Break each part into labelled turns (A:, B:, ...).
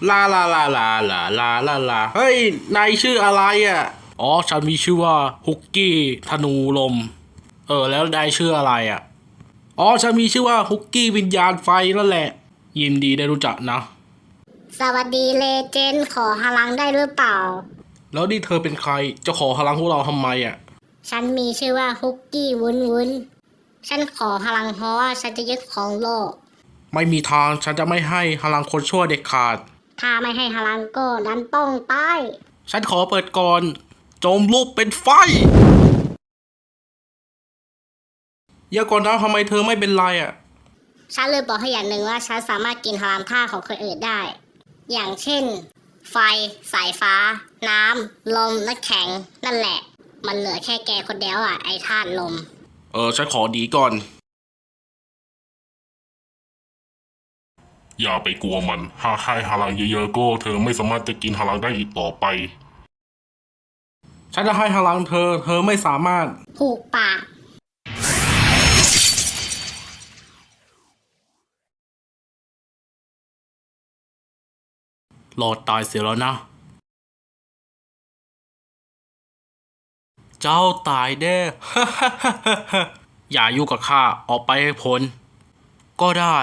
A: ลาลาลาลาลาลาลาลาเฮ้ยนายชื่ออะไรอ่ะอ๋อฉันมีชื่อว่าฮุกกี้ธนูลมแล้วนายชื่ออะไรอ่ะอ๋อฉันมีชื่อว่าฮุกกี้วิญญาณไฟนั่นแหละยินดีได้รู้จักนะ
B: สวัสดีเลเจนด์ขอพลังได้หรือเปล่า
A: แล้วนี่เธอเป็นใครจะขอพลังพวกเราทำไมอ่ะ
B: ฉันมีชื่อว่าฮุกกี้วุ้นวุ้นฉันขอพลังเพราะว่าฉันจะยึดของโลก
A: ไม่มีทางฉันจะไม่ให้พลังคนชั่วเด็ดขาด
B: ถ้าไม่ให้พลังก็นั้นต้องตาย
A: ฉันขอเปิดก่อนโจมลูกเป็นไฟอย่าก่อนนะทำไมเธอไม่เป็นไรอ่ะ
B: ฉันเลยบอกให้อย่างหนึ่งว่าฉันสามารถกินพลังธาตุของคนอื่นได้อย่างเช่นไฟสายฟ้าน้ำลมน้ำแข็งนั่นแหละมันเหลือแค่แกคนเดียวอ่ะไอ้ธาตุลม
A: ฉันขอดีก่อน
C: อย่าไปกลัวมันหากให้พลังเยอะๆก็เธอไม่สามารถจะกินพลังได้อีกต่อไป
A: ฉันจะให้พลังเธอไม่สามารถ
B: ผูกปาก
A: หลอดตายเสียแล้วนะ เจ้าตายแน่ อย่ายุ่งกับข้าออกไปให้พ้นก็ได้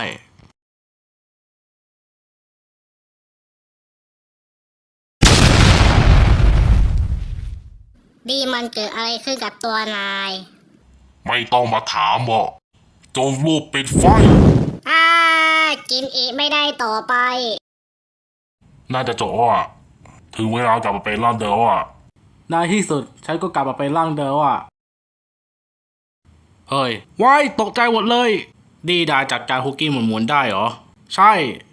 B: ดีมันเกิดอะไรขึ้นกับตัวนาย
C: ไม่ต้องมาถามบอกจงรูปปิดไฟ
B: อ่ากินอีกไม่ได้ต่อไป
C: น่าจะจบอ่ะถึงเวลากลับมาเป็นร่างเดิมอ่ะ
A: ในที่สุดฉันก็กลับมาเป็นร่างเดิมอ่ะเฮ้ยว้ายตกใจหมดเลยดีได้จัดการคุกกี้หมุนๆได้เหรอใช่